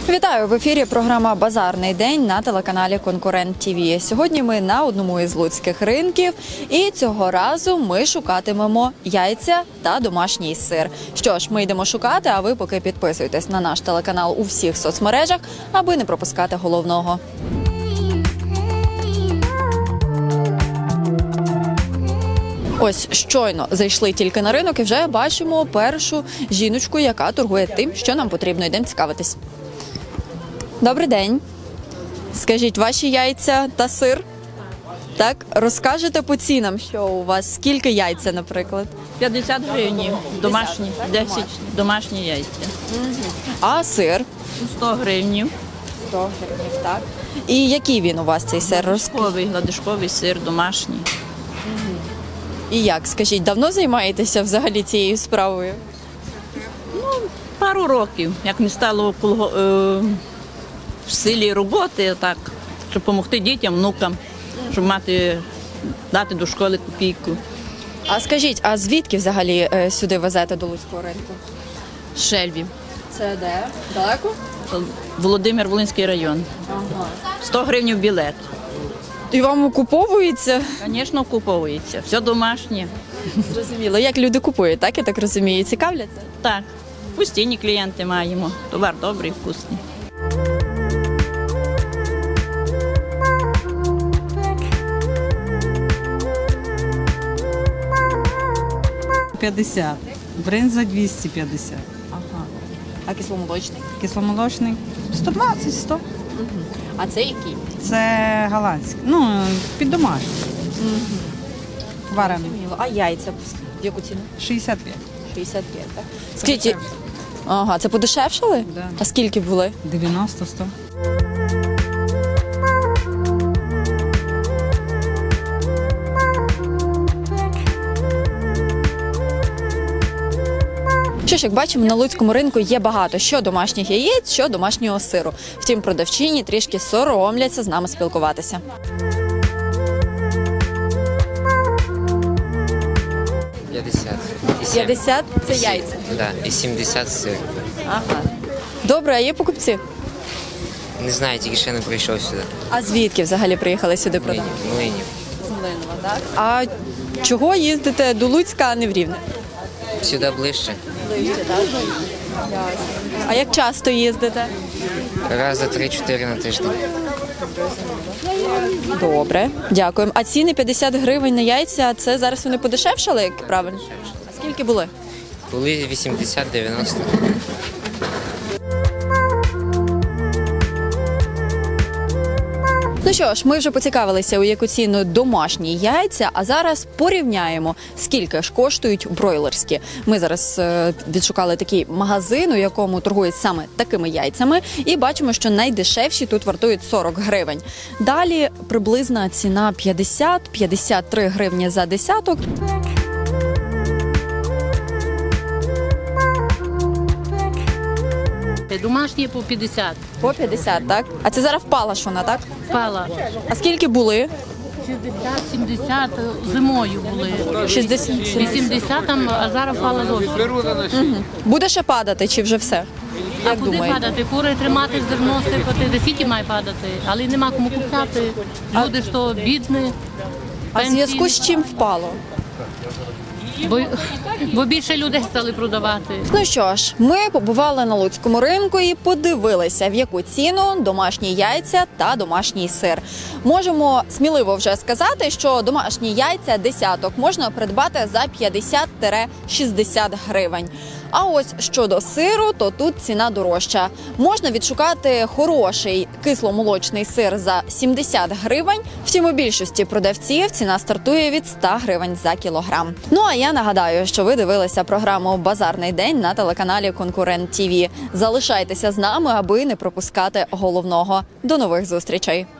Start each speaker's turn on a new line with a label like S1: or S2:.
S1: Вітаю! В ефірі програма «Базарний день» на телеканалі «Конкурент ТВ». Сьогодні ми на одному із луцьких ринків і цього разу ми шукатимемо яйця та домашній сир. Що ж, ми йдемо шукати, а ви поки підписуйтесь на наш телеканал у всіх соцмережах, аби не пропускати головного. Ось щойно зайшли тільки на ринок і вже бачимо першу жіночку, яка торгує тим, що нам потрібно. Йдемо цікавитись. Добрий день. Скажіть, ваші яйця та сир? Так, розкажете по цінам, що у вас, скільки яйця, наприклад?
S2: 50 гривень домашні, 10 домашні яйця.
S1: А сир?
S2: 100 гривень.
S1: 100 гривень, так. І який він у вас, цей сир?
S2: Гладишковий сир домашній.
S1: І як, скажіть, давно займаєтеся взагалі цією справою?
S2: Пару років, як не стало в силі роботи, так, щоб допомогти дітям, внукам, щоб дати до школи копійку.
S1: А скажіть, а звідки взагалі сюди везете до Луцького ринку?
S2: Шельбі.
S1: Це де? Далеко?
S2: Володимир-Волинський район. 100 гривень білет.
S1: І вам окуповується?
S2: Звісно, куповується. Все домашнє.
S1: Зрозуміло. Як люди купують, так, я так розумію, цікавляться?
S2: Так, постійні клієнти маємо. Товар добрий, вкусний.
S3: $50, бринза 250,
S1: Ага. А кисломолочний?
S3: кисломолочний 120, 100.
S1: А це який?
S3: Це голландський, під домашній. Варений.
S1: А яйця в яку ціну?
S3: 65.
S1: 65, так? Скільки? Ага, це подешевшали?
S3: Да.
S1: А скільки були?
S3: 90, 100.
S1: Що ж, як бачимо, на луцькому ринку є багато що домашніх яєць, що домашнього сиру. Втім, продавчині трішки соромляться з нами спілкуватися.
S4: І
S1: 50 – це яйця.
S4: Да, і 70 сир.
S1: Ага. Добре, а є покупці?
S4: Не знаю, тільки ще не прийшов сюди.
S1: А звідки взагалі приїхали сюди продати?
S4: Млинів.
S1: З Млинова, так? А чого їздите до Луцька, а не в Рівне?
S4: Сюди ближче.
S1: А як часто їздите?
S4: Раз за 3-4 на тиждень.
S1: Добре, дякуємо. А ціни 50 гривень на яйця, це зараз вони подешевшали, як правильно? А скільки були?
S4: Були 80-90.
S1: Ну що ж, ми вже поцікавилися, у яку ціну домашні яйця, а зараз порівняємо, скільки ж коштують бройлерські. Ми зараз відшукали такий магазин, у якому торгують саме такими яйцями, і бачимо, що найдешевші тут вартують 40 гривень. Далі приблизна ціна 50-53 гривні за десяток.
S5: Домашні по 50.
S1: По 50, так? А це зараз впала ж вона, так?
S5: Впала.
S1: А скільки були?
S5: 60-70 зимою були.
S1: 60.
S5: 80 там, а зараз впала зовсім.
S1: Буде ще падати, чи вже все?
S5: А
S1: Як
S5: куди
S1: думаєте?
S5: падати? Кури тримати, зерно сипати, де скільки має падати. Але нема кому купляти. Люди ж то бідні.
S1: А в зв'язку з чим впало?
S5: Бо більше людей стали продавати.
S1: Ну що ж, ми побували на луцькому ринку і подивилися, в яку ціну домашні яйця та домашній сир. Можемо сміливо вже сказати, що домашні яйця десяток можна придбати за 50-60 гривень. А ось щодо сиру, то тут ціна дорожча. Можна відшукати хороший кисломолочний сир за 70 гривень. Втім, у більшості продавців ціна стартує від 100 гривень за кілограм. Ну а я нагадаю, що ви дивилися програму «Базарний день» на телеканалі «Конкурент ТВ». Залишайтеся з нами, аби не пропускати головного. До нових зустрічей!